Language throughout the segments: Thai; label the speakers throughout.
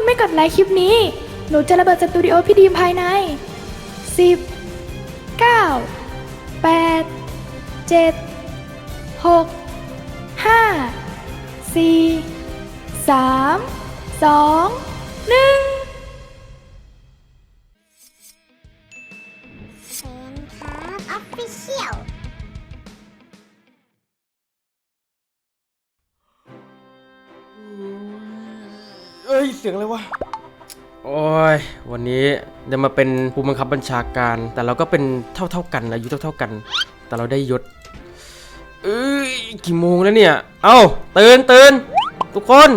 Speaker 1: คุณไม่กดไลค์คลิปนี้หนูจะระเบิดสตูดิโอพี่ดีมภายใน10 9 8 7 6 5 4 3 2 1
Speaker 2: เซนครับออฟฟิเชียล
Speaker 3: เอ้ยเสียงอะไรวะโอ้ยวันนี้จะมาเป็นผู้บังคับบัญชาการแต่เราก็เป็นเท่ากันอายุเท่ากันแต่เราได้ยศกี่โมงแล้วเนี่ยเอ้าตื่นทุกคน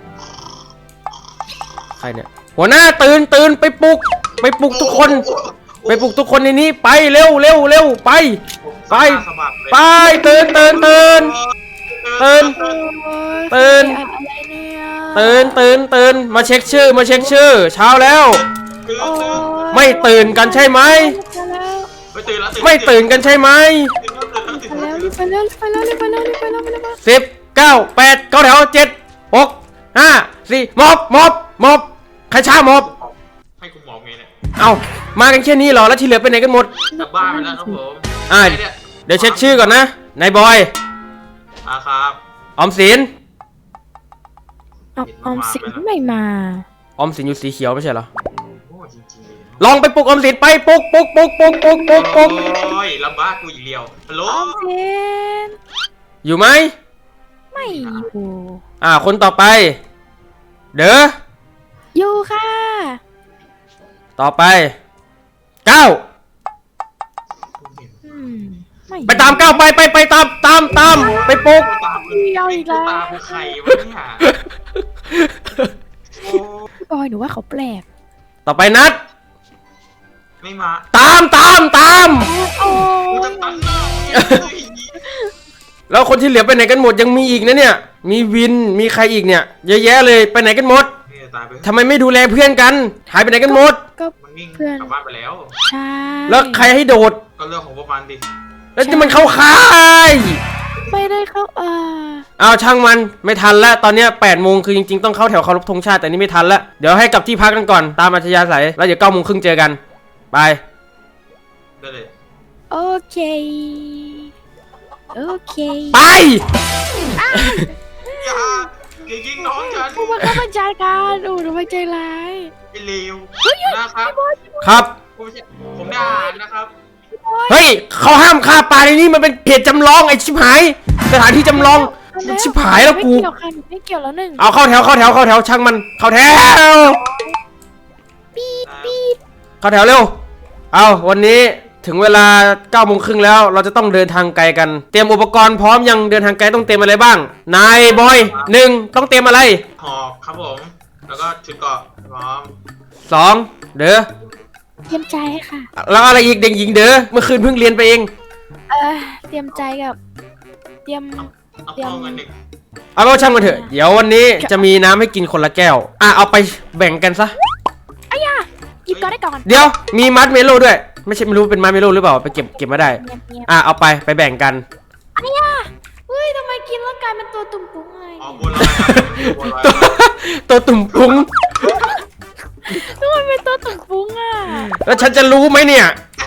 Speaker 3: ใครเนี่ยหัวหน้าตื่นไปปลุกทุกคนไปปลุกทุกคนในนี้ไปเร็วไปตื่นมาเช็คชื่อเช้าแล้วไม่ตื่นกันใช่ไหมไม่ตื่นกันใช่ไหม10 9 8 9แถว7 6 5 4มอบใครช้ามอบ
Speaker 4: ให้คุณหมอไงเนี่ย
Speaker 3: เอามากันแค่นี้เหรอแล้วที่เหลือไปไหนกันหมด
Speaker 4: กลับบ้านไปแล้วครับผม
Speaker 3: เดี๋ยวเช็คชื่อก่อนนะนายบอย
Speaker 4: ครับ
Speaker 3: ออมสิน
Speaker 1: ออมสินไม่มา
Speaker 3: ออมสินอยู่สีเขียวไม่ใช่เหรอ
Speaker 4: โอ้จริงๆ
Speaker 3: ลองไปปลุกออมสินไปปลุก
Speaker 4: โอ้ยลำบากกูอีกเดียวฮัลโหล
Speaker 1: ออมสิน
Speaker 3: อยู่ไหม
Speaker 1: ไม่อยู่
Speaker 3: คนต่อไปเด้อ
Speaker 1: อยู่ค่ะ
Speaker 3: ต่อไปก้าวไปตามก้าวไปตามไปปลุก
Speaker 1: เอาอีกแล้ว
Speaker 4: ตามใครวะเนี่ย
Speaker 1: บอยหนูว่าเขาแปลก
Speaker 3: ต่อไปนัด
Speaker 4: ไม่มา
Speaker 3: ตาม
Speaker 1: โอ้
Speaker 3: แล้วคนที่เหลือไปไหนกันหมดยังมีอีกนะเนี่ยมีวินมีใครอีกเนี่ยเยอะแยะเลยไปไหนกันหมดทำไมไม่ดูแลเพื่อนกันหายไปไหนกันหมด
Speaker 1: ก็
Speaker 4: เพื่อนกลับบ้านไปแล้ว
Speaker 1: ใช่
Speaker 3: แล้วใครให้โดด
Speaker 4: ก็เรื่องของพวกมันดิ
Speaker 3: แล้วจะมันเข้าค่าย
Speaker 1: ไม่ได้เข้า
Speaker 3: เอาช่างมันไม่ทันแล้วตอนนี้8 โมงคือจริงๆต้องเข้าแถวเคารพธงชาติแต่นี่ไม่ทันแล้วเดี๋ยวให้กลับที่พักกันก่อนตามอัธยาศัยแล้วเดี๋ยว9 โมงครึ่งเจอกันไป
Speaker 4: ได้เลย
Speaker 1: โอเค
Speaker 3: ไป
Speaker 4: อย่ายิงน้องฉัน
Speaker 1: ผู้บังคับบัญชาการหนูไม่ใจร้าย
Speaker 4: ไอ้เลวนะครับ
Speaker 3: ครับ
Speaker 4: ผมได้อ่านนะครับ
Speaker 3: เฮ้ยเขาห้ามฆ่าปลาในนี้มันเป็นเหตุจำลองไอ้ชิบหายสถานที่จำลองชิบหายแล้วกู
Speaker 1: ไม่เกี่ยวแล้วหนึ่ง
Speaker 3: เอาเข้าแถวช่างมันเข้าแถวเข้าแถวเร็วเอาวันนี้ถึงเวลา9 โมงครึ่งแล้วเราจะต้องเดินทางไกลกันเตรียมอุปกรณ์พร้อมยังเดินทางไกลต้องเตรียมอะไรบ้างนายบอย1ต้องเตรียมอะไร
Speaker 4: หอกครับผมแล้วก็ชุดเกราะพร้อม
Speaker 3: 2เด้อ
Speaker 1: เตรียมใจค่ะ
Speaker 3: แล้วอะไรอีกเด็กหญิงเด้อเมื่อคืนเพิ่งเรียนไปเอง
Speaker 1: เตรียมใจกับเตรียม
Speaker 4: เงิน
Speaker 3: เอาก็ช่างมันเถอะเดี๋ยววันนี้จะมีน้ำให้กินคนละแก้วเอาไปแบ่งกันซะ
Speaker 1: หยิบก่อนได้ก่อน
Speaker 3: เดี๋ยวมีมัดเมโลด้วยไม่ใช่ไม่รู้เป็นมัดเมโลหรือเปล่าไปเก็บมาได้เอาไปแบ่งกัน
Speaker 1: เฮ้ยทำไมกินแล้วกลายเป็นตัวตุ่มปุ้งเลย
Speaker 3: ตัวตุ่มปุ้ง
Speaker 1: ทำไมเป็นตัวตุ่มปุ้ง
Speaker 3: แล้วฉันจะรู้ไหมเนี่ย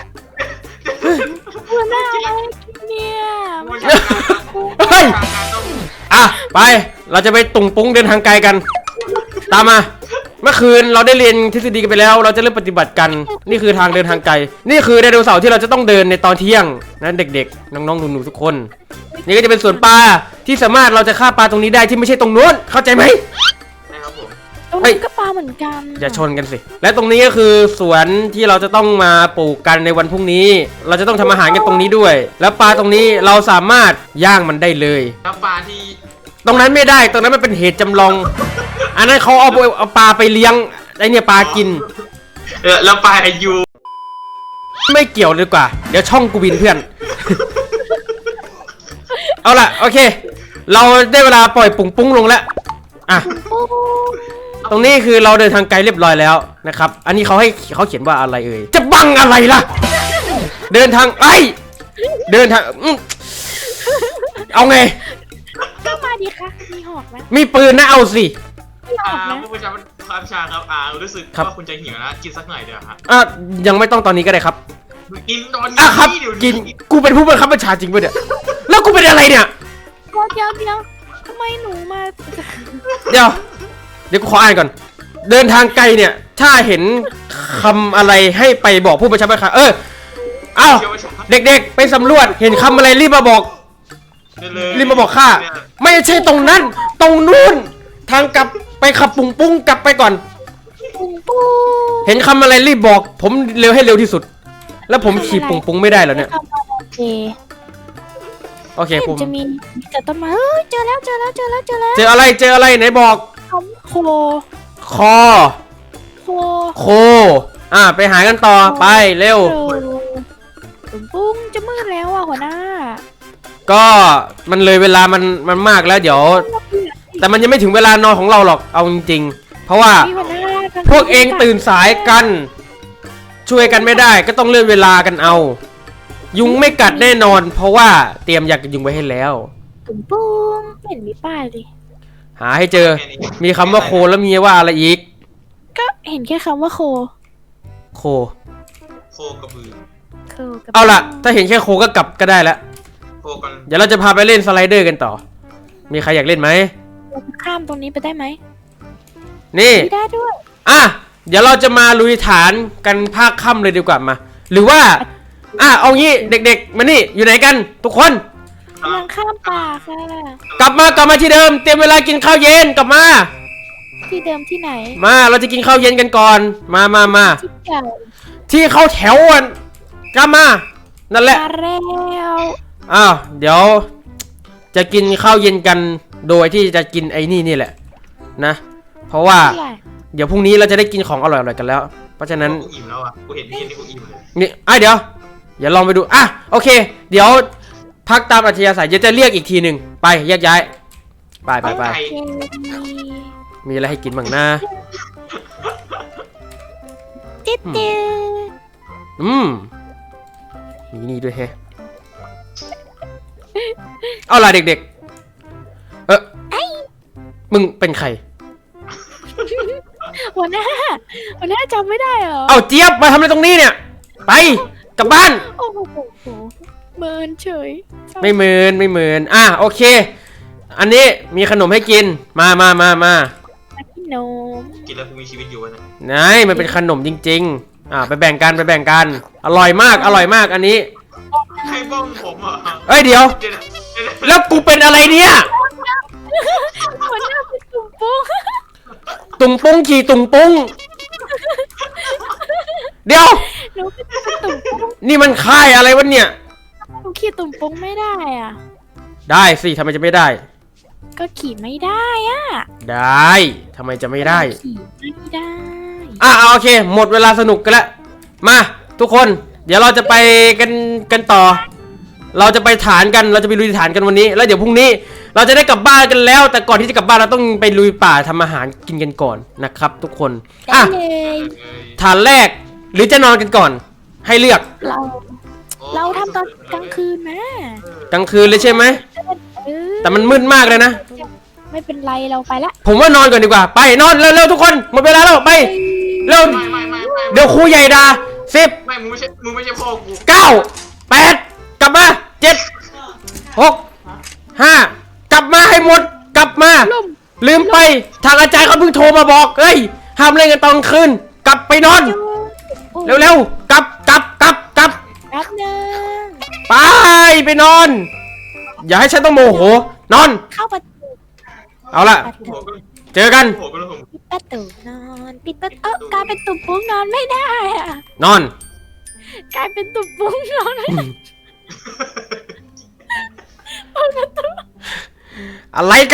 Speaker 1: หัวหน้าอะไรเนี่ย
Speaker 3: เฮ้ยไปเราจะไปตุ่มปุ้งเดินทางไกลกันตามมาเมื่อคืนเราได้เรียนทฤษฎีกันไปแล้วเราจะเริ่มปฏิบัติกันนี่คือทางเดินทางไกลนี่คือไดโนเสาร์ที่เราจะต้องเดินในตอนเที่ยงนะเด็กๆน้องๆหนูๆทุกคนนี่ก็จะเป็นสวนปลาที่สามารถเราจะฆ่าปลาตรงนี้ได้ที่ไม่ใช่ตรงนู้นเข้าใจไหม
Speaker 4: ครับผม
Speaker 1: ตรงนี้ก็ปลาเหมือนกัน
Speaker 3: อย่าชนกันสิและตรงนี้ก็คือสวนที่เราจะต้องมาปลูกกันในวันพรุ่งนี้เราจะต้องทำอาหารกันตรงนี้ด้วยแล้วปลาตรงนี้เราสามารถย่างมันได้เลย
Speaker 4: แล้วปลาที่
Speaker 3: ตรงนั้นไม่ได้ตรงนั้นมันเป็นเหตุจำลองอันนั้นเขาเอาปลาไปเลี้ยงไอเนี่ยปลากิน
Speaker 4: แล้วปลาอายุ
Speaker 3: ไม่เกี่ยวเลยกว่าเดี๋ยวช่องกูบินเพื่อน เอาล่ะโอเคเราได้เวลาปล่อยปุ้งลงแล้วตรงนี้คือเราเดินทางไกลเรียบร้อยแล้วนะครับอันนี้เขาเขียนว่าอะไรเอ่ยจะบังอะไรล่ะเดินทางเดินทางเอาไง
Speaker 1: ก็มาดิค่ะมีหอกไหม
Speaker 3: มีปืนนะเอาสิ
Speaker 1: ไม่ออกนะ
Speaker 4: ผู้ประชาความชาครับรู้สึกว่าคุณจะหิวนะกินสักหน่อยเดี๋ยวฮะ
Speaker 3: ยังไม่ต้องตอนนี้ก็ได้ครับ
Speaker 4: กินตอน
Speaker 3: ครับ
Speaker 4: นี้เดี๋ยว
Speaker 3: กินกูเป็นผู้บังคับบัญชาจริงปะเนี่ยแล้วกูเป็นอะไรเนี่ย
Speaker 1: เดี๋ยวทำไมหนูมา
Speaker 3: เดี๋ยวกูขออ่านก่อน เดินทางไกลเนี่ย ถ้าเห็นคำอะไรให้ไปบอกผู้บัญชาการเอ้าเด็กๆ ไปสำรวจเห็นคำอะไรรีบมาบอกข้าไม่ใช่ตรงนั้น ตรงนู้นทางกลับไปขับปุ้งกลับไปก่อน
Speaker 1: ปุ้ง
Speaker 3: เห็นคำอะไรรีบบอก ผมเร็วให้เร็วที่สุด แล้วผมขี่ปุ้งไม่ได้แล้วเนี่ย
Speaker 1: โอเค
Speaker 3: โอเคผม
Speaker 1: จะมีแต่ต้นไม้เจอแล้ว
Speaker 3: เจออะไรไหนบอก
Speaker 1: โค
Speaker 3: คอ โค ไปหากันต่อไปเร็ว
Speaker 1: ปุ้งจะมืดแล้วอ่ะหัวหน้า
Speaker 3: ก็มันเลยเวลามันมากแล้วเดี๋ยว แต่มันยังไม่ถึงเวลานอนของเราหรอกเอาจริงๆเพราะว่าพวกเองตื่นสายกัน ช่วยกันไม่ได้ก็ต้องเลื่อนเวลากันเอา ยุงไม่กัดแน่นอน เพราะว่าเตรียมยากันยุงไว้ให้แล้ว
Speaker 1: ปุ้งไม่เห็นมีป้ายเลย
Speaker 3: หาให้เจอมีคำว่าโคแล้วมีว่าอะไรอีก
Speaker 1: ก็เห็นแค่คำว่าโค
Speaker 3: โค
Speaker 4: โคกระบือ
Speaker 3: เอาล่ะถ้าเห็นแค่โคก็กลับก็ได้แล้ว
Speaker 4: โคกัน
Speaker 3: เดี๋ยวเราจะพาไปเล่นสไลเดอร์กันต่อ มีใครอยากเล่นไหม
Speaker 1: ข้ามตรงนี้ไปได้ไหม
Speaker 3: นี่
Speaker 1: ไม่ได้ด้วย
Speaker 3: เดี๋ยวเราจะมาลุยฐานกันภาคค่ำเลยดีกว่ามา หรือว่าเอางี้เด็กๆมานี่อยู่ไหนกันทุกคน
Speaker 1: กำลังข้ามป่าค่ะ
Speaker 3: กลับมาที่เดิมเตรียมเวลากินข้าวเย็นกลับมา
Speaker 1: ที่เดิมที่ไหน
Speaker 3: มาเราจะกินข้าวเย็นกันก่อนมา
Speaker 1: ที่เก่า
Speaker 3: ที่เข้าแถวอ่ะกลับมานั่นแหละ
Speaker 1: มาแล้ว
Speaker 3: เดี๋ยวจะกินข้าวเย็นกันโดยที่จะกินไอ้นี่แหละนะเพราะว่าเดี๋ยวพรุ่งนี้เราจะได้กินของอร่อยๆกันแล้ว เพราะฉะนั้น
Speaker 4: กูอิ่มแล้วอ่ะกูเห็นนี่กูอิ่มเลย
Speaker 3: นี่เดี๋ยวอย่าลองไปดูโอเค เดี๋ยวพักตามอัธยาศัยจะเรียกอีกทีหนึ่งไปแยกย้ายไปมีอะไรให้กินบ้างนะ
Speaker 1: จิ๊ด
Speaker 3: มีนี่ด้วยแฮะเอาล่ะเด็กๆมึงเป็นใคร
Speaker 1: หัวหน้าจำไม่ได้เหรอ
Speaker 3: เอาเจี๊ยบมาทำอะไรตรงนี้เนี่ยไปกลับบ้าน
Speaker 1: โอ้โหเมินเฉย
Speaker 3: ไม่เหมือนโอเค อันนี้มีขนมให้กินมา
Speaker 1: พี่นม
Speaker 4: กินแล้วกูมีชีวิตอยู่นะ
Speaker 3: ไหนมันเป็นขนมจริงๆไปแบ่งกันอร่อยมากอันนี้
Speaker 4: ใครบ้องผมอ่ะ
Speaker 3: เอ้ยเดี๋ยวแล้วกูเป็นอะไรเนี่ย
Speaker 1: หัวหน้าเป็นตุ่มปุ้ง
Speaker 3: ตุงปุ้งขี่ตุงปุ้งเดี๋ยว
Speaker 1: หนูเป็นตุ่มปุ้ง
Speaker 3: นี่มันค่ายอะไรวะเนี่ย
Speaker 1: หนูขี่ตุ่มปุ้งไม่ได้อ่ะ
Speaker 3: ได้สิทำไมจะไม่ได้
Speaker 1: ก็ขี่ไม่ได้อ่ะ
Speaker 3: ได้ทำไมจะไม่ได้
Speaker 1: ขี่ไม่ได้
Speaker 3: โอเค หมดเวลาสนุกกันแล้วมาทุกคนเดี๋ยวเราจะไปกันต่อ เราจะไปฐานกันเราจะไปลุยฐานกันวันนี้แล้วเดี๋ยวพรุ่งนี้เราจะได้กลับบ้านกันแล้ว แต่ก่อนที่จะกลับบ้านเราต้องไปลุยป่าทำอาหารกินกันก่อนนะครับ ทุกคน
Speaker 1: ได้เลย
Speaker 3: ฐานแรกหรือจะนอนกันก่อน ให้เลือก
Speaker 1: เราทำตอนกลางคืนนะ
Speaker 3: กลางคืนเลยใช่ไหมแต่มันมืดมากเลยนะ
Speaker 1: ไม่เป็นไรเราไปละ
Speaker 3: ผมว่านอนก่อนดีกว่าไปนอนเร็วๆทุกคนหมดเวลาแล้วไปเร็ว
Speaker 4: ไม่
Speaker 3: เดี๋ยวครูใหญ่ด่า10
Speaker 4: ไม่มึงไม่ใช่พ่อกู
Speaker 3: 9 8กลับมา7 6 5กลับมาให้หมดกลับมาลืมไปทางอาจารย์เขาเพิ่งโทรมาบอกเฮ้ยห้ามเล่นกันตอนคืนกลับไปนอนเร็วๆกลับ
Speaker 1: แป๊บนึง
Speaker 3: ไปนอน อย่าให้ฉันต้องโมโหนอน
Speaker 1: เข้าประตู
Speaker 3: เอาล่ะเจอกัน
Speaker 4: หัวก็เลยผม
Speaker 1: ปิดประตูนอนปิดประตูกลายเป็นตุ่มปุ้งนอนไม่ได้อะ
Speaker 3: นอน
Speaker 1: กลายเป็นตุ่มปุ้งนอนไม่ได้เปิดประตู
Speaker 3: อะไรกัน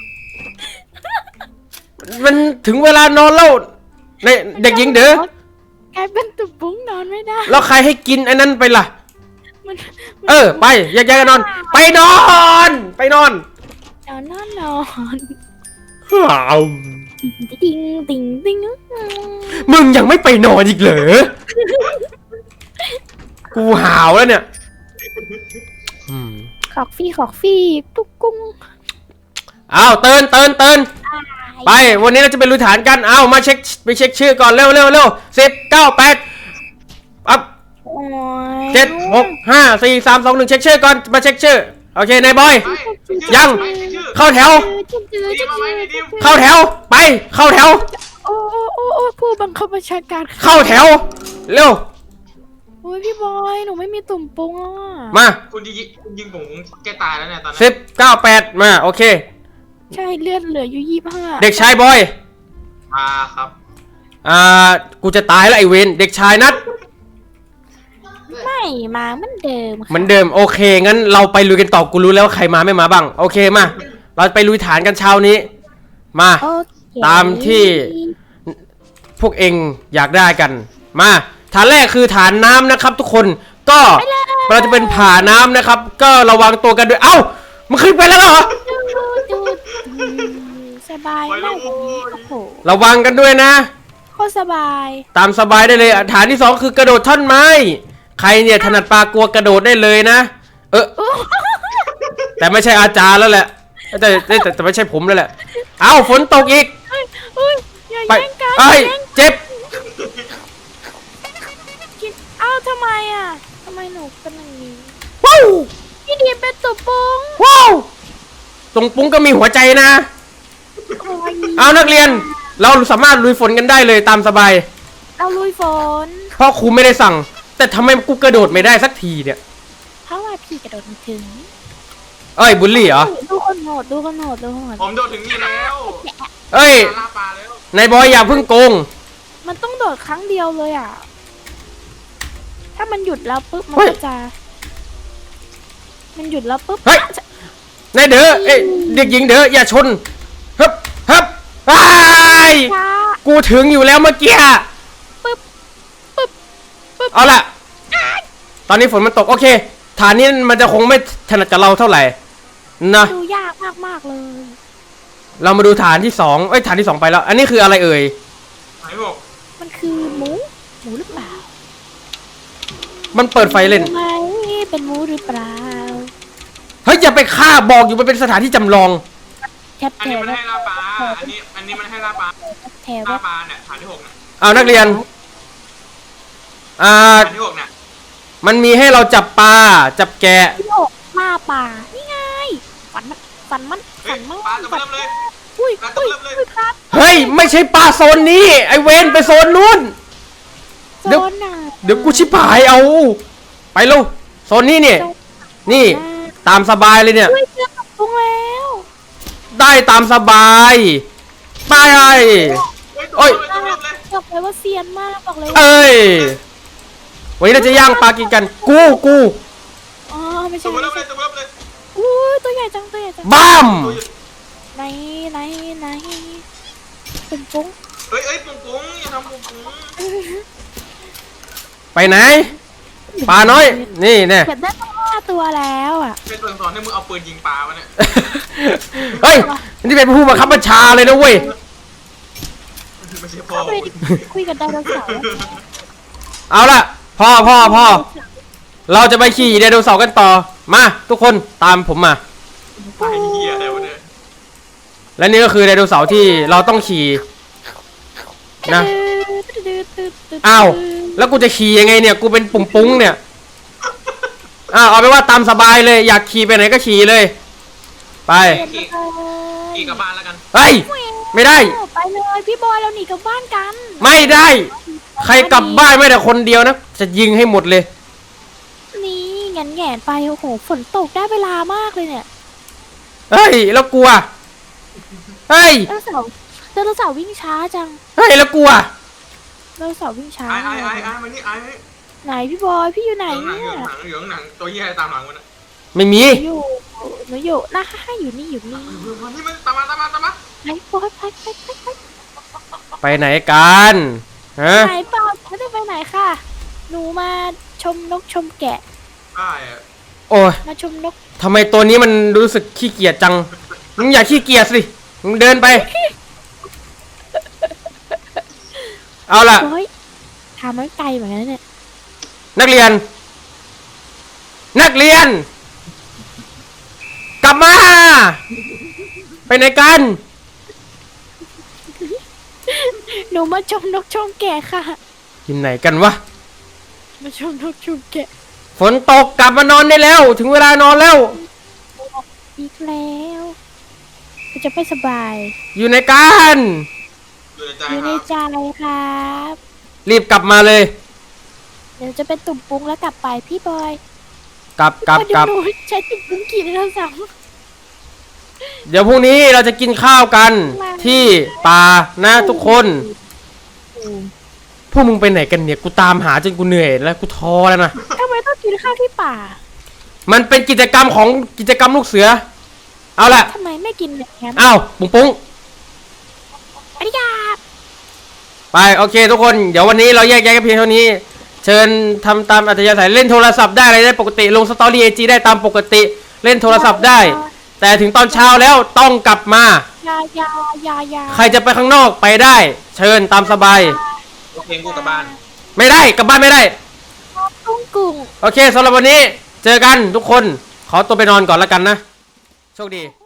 Speaker 3: มันถึงเวลานอนแล้วเด็กหญิงเด้อก
Speaker 1: ลายเป็นตุ่มปุ้งนอนไม่ได้
Speaker 3: แล้วใครให้กินอันนั้นไปล่ะ
Speaker 1: มัน
Speaker 3: ไปแยกกันนอน ไปนอน
Speaker 1: นอน ติง
Speaker 3: มึงยังไม่ไปนอนอีกเหรอ กูหาวแล้วเนี่ย
Speaker 1: ขอกฟี่ตุ๊กกุ้ง
Speaker 3: อ้าวเตือน
Speaker 1: ไอ
Speaker 3: ไป วันนี้เราจะไปลุยฐานกัน เอามาเช็คชื่อก่อนเร็ว10 9 8ปั๊บ
Speaker 1: โอ้ย
Speaker 3: 7 6 5 4 3 2 1เช็คชื่อก่อน มาเช็คชื่อ โอเคนายบอย ยัง เข้าแถว เข้าแถว ไป เข้าแถว
Speaker 1: โอ้ผู้บังคับบัญชาการ
Speaker 3: เข้าแถว เร็ว
Speaker 1: โอ้ยพี่บอยหนูไม่มีตุ่มปุ้งอ่ะ
Speaker 3: มา
Speaker 4: คุณยิงผมแกตายแล้วเนี่ยตอนนั้น
Speaker 3: 10 9 8 มา โอเค
Speaker 1: ใช่เลือดเหลืออยู่25
Speaker 3: เด็กชายบอย
Speaker 4: มาครับ
Speaker 3: กูจะตายแล้วไอเวนเด็กชายนัด
Speaker 1: ไม่มาเหมือนเดิม
Speaker 3: เหมือนเดิม โอเค งั้นเราไปลุยกันต่อ กูรู้แล้วว่าใครมาไม่มาบ้าง โอเค มา เราไปลุยฐานกันเช้านี้ มา
Speaker 1: โอเค
Speaker 3: ตามที่พวกเองอยากได้กัน มา ฐานแรกคือฐานน้ำนะครับ ทุกคน ก็เราจะเป็นผ่าน้ำนะครับ ก็ระวังตัวกันด้วย เอ้า มันขึ้นไปแล้วเหรอ
Speaker 1: ดูสบายมากแบบนี้โอ้โห
Speaker 3: ระวังกันด้วยนะ
Speaker 1: โคตรสบาย
Speaker 3: ตามสบายได้เลยฐานที่สองคือกระโดดท่อนไม้ ใครเนี่ยถนัดปลากลัวกระโดดได้เลยนะ แต่ไม่ใช่อาจารย์แล้วแหละ แต่ไม่ใช่ผมแล้วแหละ เอ้าฝนตกอีก
Speaker 1: เฮ้ยอย่า
Speaker 3: ไป
Speaker 1: แย่งกัน
Speaker 3: เอ้ย
Speaker 1: อย่าแย่ง
Speaker 3: เจ็บ
Speaker 1: กินอ้าวทำไมอ่ะทำไมหนูเป็นอย่างนี้
Speaker 3: ว้าว
Speaker 1: พี่ดีเป็นตุ่มปุ้ง
Speaker 3: ว้าวตรงปุ้งก็มีหัวใจนะ
Speaker 1: โอ้ย
Speaker 3: เอานักเรียน เราสามารถลุยฝนกันได้เลยตามสบาย
Speaker 1: เราลุยฝน
Speaker 3: เพราะครูไม่ได้สั่ง แต่ทำไมกูกระโดดไม่ได้สักทีเนี่ย
Speaker 1: เพราะว่าพี่กระโดดไม่ถึง
Speaker 3: เอ้ยบุลลี่เหรอ
Speaker 1: ดูคนโหดดูคนโหดดูคนโหด
Speaker 4: ผมโดดถึงนี่แล้ว
Speaker 3: เอ้ย
Speaker 4: ล่าปลาแล้ว
Speaker 3: นายบอยอย่าเพิ่งโกง
Speaker 1: มันต้องโดดครั้งเดียวเลยอ่ะ ถ้ามันหยุดแล้วปุ๊บมัน
Speaker 3: เฮ้ย
Speaker 1: ก็จะ มันหยุดแล้วปุ๊บ
Speaker 3: เฮ้ย นายเด้อเอ้ยเด็กหญิงเด้ออย่าชนฮึบฮึบอ้าย
Speaker 1: ช้า
Speaker 3: กูถึงอยู่แล้วเมื่อกี้
Speaker 1: ปึ๊บปึ๊บปึ๊บ
Speaker 3: เอาล่ะ ตอนนี้ฝนมันตกโอเค ฐานนี้มันจะคงไม่ถนัดกับเราเท่าไหร่นะ
Speaker 1: ดูยากมากๆเลย
Speaker 3: เรามาดูฐานที่สองเอ้ยฐานที่สองไปแล้ว อันนี้คืออะไรเอ่ย
Speaker 4: ไหนบอก
Speaker 1: มันคือหมูหรือเปล่า
Speaker 3: มันเปิดไฟเล่น
Speaker 1: ไหมเป็นหมูหรือเปล่า
Speaker 3: เฮ้ยอย่าไปฆ่าบอกอยู่มันเป็นสถานที่จำลอง
Speaker 1: แทบ
Speaker 4: อัน
Speaker 1: แถ
Speaker 4: นี้
Speaker 1: ว
Speaker 4: มันให้ล่าปลาอันนี้มันให้ล่าปลา
Speaker 1: แถว
Speaker 4: ล่าปลาเนี่ยฐานที่6เนี่ย
Speaker 3: เอานักเรียน
Speaker 4: ฐานที่6เนี่ย
Speaker 3: มันมีให้เราจับปลาจับแกะ
Speaker 1: พี่โอกล่าป่านี่ไงฝันมัน
Speaker 4: เฮ้ย
Speaker 1: มั่ง
Speaker 4: ปลาจะ
Speaker 1: ฝั
Speaker 4: เริ่มเลย
Speaker 1: อุ้ย
Speaker 4: ปลาจะ
Speaker 1: อุ้ย
Speaker 4: เริ่มเลย
Speaker 1: อุ้ยครับ
Speaker 3: เฮ้ยไม่ใช่ปลาโซนนี้ไอเวนไปโซนนู้น เดี๋ยว
Speaker 1: โซนน่ะ
Speaker 3: เดี๋ยวกูชิบหายเอา ไปลูกโซนนี้เนี่ย นี่ตามสบายเลยเนี่ย
Speaker 1: อุ้ยเจอกับพุงแล้ว
Speaker 3: ได้ตามสบายไปไอ้
Speaker 4: โอ้ยตัวเริ่มเลย
Speaker 1: บอกเลยว่าเซียนมากบอกเลยว่า
Speaker 3: เอ้ยวันนี้เราจะย่างปลากินกัน กู
Speaker 1: อ๋อไม่
Speaker 4: ตั
Speaker 1: ใช่
Speaker 4: วเริ่มเลยตัวเริ่มเลย
Speaker 1: อุ้ยตัวใหญ่จังตัวใหญ่จัง
Speaker 3: บ้าม
Speaker 1: ไหนเป็นปุ้ง
Speaker 4: เฮ้ยปุ้งอย่าทำปุ้ง
Speaker 3: ไปไหนปลาน้อยนี่แน่
Speaker 1: เก็บได้ตั้ง5 ตัวแล้วอ่ะ
Speaker 4: เป็นตัวสอนให้มึงเอาปืนยิงปลาวะเนี่ย
Speaker 3: เฮ้ยนี่เป็นผู้บังคับบัญชาเลยนะเว้ย
Speaker 4: ไม่ใช่พ่อ
Speaker 1: คุยกับไดโนเสาร์
Speaker 3: เอาล่ะพ่อเราจะไปขี่ไดโนเสาร์กันต่อมาทุกคนตามผมมา
Speaker 4: ไอ้เหี้ยอะไรวะเนี่ย
Speaker 3: และนี่ก็คือไดโนเสาร์ที่เราต้องขี่นะอ้าวแล้วกูจะขี่ยังไงเนี่ยกูเป็นปุ่งปุ้งเนี่ยอ้าวเอาไปนว่าตามสบายเลยอยากขี่ไปไหนก็ขี่เลย ไป
Speaker 4: ขี่กลับบ้านแล้วกัน
Speaker 3: เฮ้ยไม่ได้
Speaker 1: ไปเลยพี่บอยเราหนีกลับบ้านกัน
Speaker 3: ไม่ได้ ใครกลับบ้านไม่แต่คนเดียวนะจะยิงให้หมดเลย
Speaker 1: นี่แง่นไปโอ้โหฝนตกได้เวลามากเลยเนี่ย
Speaker 3: เฮ้ยแล้วกลัวเฮ้ย
Speaker 1: ไดโนเสาร์วิ่งช้าจัง
Speaker 3: เฮ้ยแล้วกลัว
Speaker 1: ไดโนเสาร์วิ่งช้า
Speaker 4: ไอ้มานี่ไอ้
Speaker 1: ไหนพี่บอยพี่อยู่ไหน
Speaker 4: หนัง
Speaker 1: เนี่ย
Speaker 4: เหลืองหนังตัวเหี้ยตามหลังมันอ่ะ
Speaker 3: ไม่มี
Speaker 1: หนูอยู่นะอยู่นี่
Speaker 4: นี่มันตามมา
Speaker 1: ไหนบอยไป
Speaker 3: ไปไหนกันฮะ
Speaker 1: ไหนเปล่าไม่ได้ไปไหนค่ะ หนูมาชมนกชมแกะ
Speaker 4: ใช่
Speaker 3: โอ้ย
Speaker 1: มาชมนก
Speaker 3: ทำไมตัวนี้มันรู้สึกขี้เกียจจังมึงอย่าขี้เกียจสิมึงเดินไป เอาล่ะ
Speaker 1: เฮ้ยทำมันไกลเหมือนกันนะเนี่ย
Speaker 3: นักเรียน กลับมา ไปไหนกัน
Speaker 1: หนูมาชมนกชมแกะค่ะ
Speaker 3: อยู่ไหนกันวะ
Speaker 1: มาชมนกชมแกะ
Speaker 3: ฝนตกกลับมานอนได้แล้ว ถึงเวลานอนแล้ว
Speaker 1: อีกแล้วเราจะไม่สบาย
Speaker 3: อยู่ในการ
Speaker 4: อยู่ในใจ
Speaker 1: อยู่
Speaker 4: ค
Speaker 1: ใน
Speaker 4: รับ
Speaker 1: ใจครับ
Speaker 3: รีบกลับมาเลย
Speaker 1: เดี๋ยวจะเป็นตุ่มปุ้งแล้วกลับไปพี่บอย
Speaker 3: กลับ
Speaker 1: เดี๋ยวหนูใช้ตุ่มปุ้งกี่ไดโนเสาร์
Speaker 3: เดี๋ยวพรุ่งนี้เราจะกินข้าวกันที่ป่านะทุกคน พวกมึงไปไหนกันเนี่ย กูตามหาจนกูเหนื่อยแล้วกูท้อแล้วนะ
Speaker 1: ทำไมต้องกินข้าวที่ป่า
Speaker 3: มันเป็นกิจกรรมของกิจกรรมลูกเสือ เอาละ
Speaker 1: ทำไมไม่กินแบบนั้น
Speaker 3: อ้าวปุ้งปุ้ง
Speaker 1: อริยา
Speaker 3: ไปโอเคทุกคนเดี๋ยววันนี้เราแยกย้ายกันเพียงเท่านี้ เชิญทำตามอัธยาศัยเล่นโทรศัพท์ได้อะไรได้ปกติลงสตอรี่IGได้ตามปกติเล่นโทรศัพท์ได้ แต่ถึงตอนเช้าแล้วต้องกลับมา
Speaker 1: ยา
Speaker 3: ใครจะไปข้างนอกไปได้ เชิญตามสบาย
Speaker 4: โอเคกูกลับบ้าน
Speaker 3: ไม่ได้กลับบ้านไม่ได้
Speaker 1: กุ้ง
Speaker 3: โอเคสำหรับวันนี้เจอกันทุกคนขอตัวไปนอนก่อนแล้วกันนะโชคดี